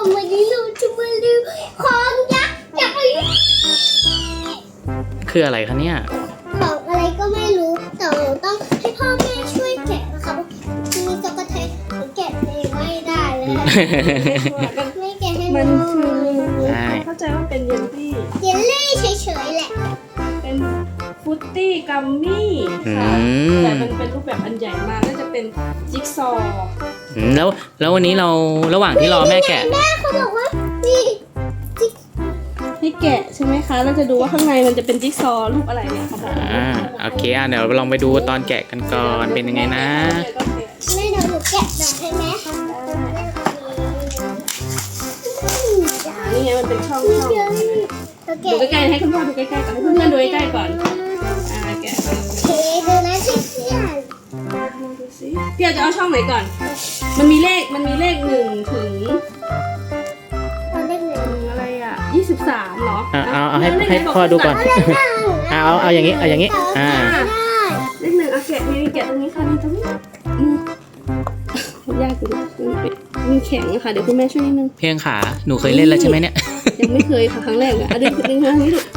วันนี้เราจะมาดูของยักษ์ใหญ่คืออะไรคะเนี่ยของอะไรก็ไม่รู้แต่เราต้องให้พ่อแม่ช่วยแกะนะคะมีจักรแทนแกะเองไม่ได้เลยไม่แกะให้มันดูคือใช่เข้าใจว่าเป็นเยลลี่เยลลี่เฉยๆแหละเป็นฟรุตตี้กัมมี่ค่ะแต่มันเป็นรูปแบบอันใหญ่มากน่าจะเป็นจิ๊กซอว์แล้ววันนี้เราระหว่างที่รอแม่แกะแม่เขาบอกว่านี่จิ๊กให้แกะใช่ไหมคะเราจะดูว่าข้างในมันจะเป็นจิ๊กซอว์รูปอะไรเนี่ยเขาบอกโอเคเดี๋ยวลองไปดูตอนแกะกันก่อนเป็นยังไงนะแม่เดี๋ยวหนูแกะหน่อยให้แม่นี่ไงมันเป็นช่องนี่ช่องเยลลี่เราดูแกะใกล้ๆให้คุณพ่อดูใกล้ๆก่อนให้เพื่อนๆดูใกล้ๆก่อนแกะไปเทดูนะสิเพื่อนดูสิพี่อาจจะเอาช่องไหนก่อน มันมีเลข1 ถึงเราเล่นเลยอะไรอ่ะ23เหรอเอาให้พ่อดูก่อนเอาอย่างนี้เลขเลข 1เอาแกะนี่แกะตรงนี้ค่ะนี่ตรงนี้ยากอยู่มันแข็งค่ะเดี๋ยวคุณแม่ช่วยนิดนึงเพียงขาหนูเคยเล่นแล้วใช่ไหมเนี่ยยังไม่เคยค่ะครั้งแรกอ่ะดึงทางนี้ดู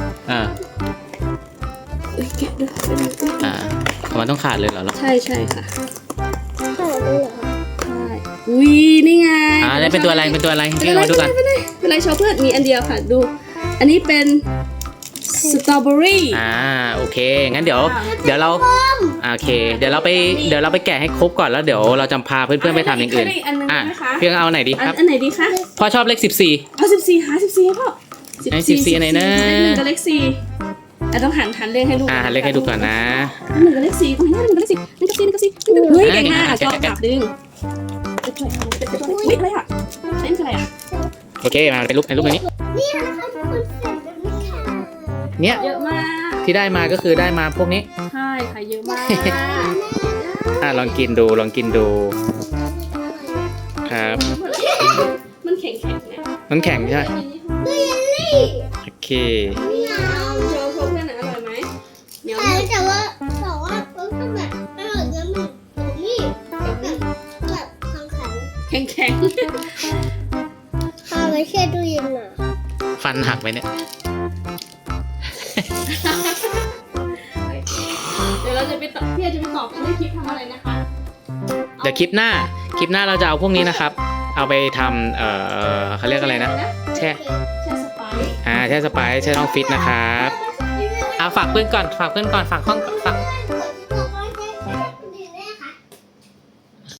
แกะดูมันต้องขาดเลยเหรอลูกใช่ค่ะต่อเลยเหรอใช่อุ้ยนี่ไงนี่เป็นตัวอะไรเพียงมาดูกันเป็นไรโชว์เพื่อนมีอันเดียวค่ะดู อันนี้เป็นสตรอเบอรี่โอเคงั้นเดี๋ยวเราโอเคเดี๋ยวเราไปแกะให้ครบก่อนแล้วเดี๋ยวเราจะพาเพื่อนๆไปทำอย่างอื่นเพียงเอาไหนดีครับอันไหนดีคะพ่อชอบเลข14 เอา14หา14ให้พ่อไอ้14อันไหนนะเลข1กับเลข4ต้องหันเลขให้ดูเลขให้ดูก่อนนะ 1กับเลข4ตรงนี้1กับเลข4 1กับ4 1กับ4เฮ้ยเก่งมากชอบจับดึงอะไรอ่ะเล่นอะไรอ่ะโอเคมาเป็นรูปอันนี้นี่นะคะทุกคนเสร็จแล้วนะคะเนี่ยเยอะมากที่ได้มาก็คือได้มาพวกนี้ใช่ค่ะเยอะมากลองกินดูครับมันแข็งเนี่ยมันแข็งใช่ไหมดูเยลลี่โอเคเหนียวโชว์เพื่อนอร่อยไหมเหนียวแต่ว่ามันก็แบบอร่อยนะมันนี่แบบแข็งแข็งพาไปแช่ตู้เย็นน่ะฟันหักไปเนี่ยเดี๋ยวเราจะไปตอบพี่จะไปตอบกันในคลิปทำอะไรนะคะเดี๋ยวคลิปหน้าเราจะเอาพวกนี้นะครับ เอาไปทำเขาเรียกอะไรนะแช่แช่สไปซ์แช่สไปซ์แช่ช่องฟิตนะครับฝากเพื่อนก่อนฝาก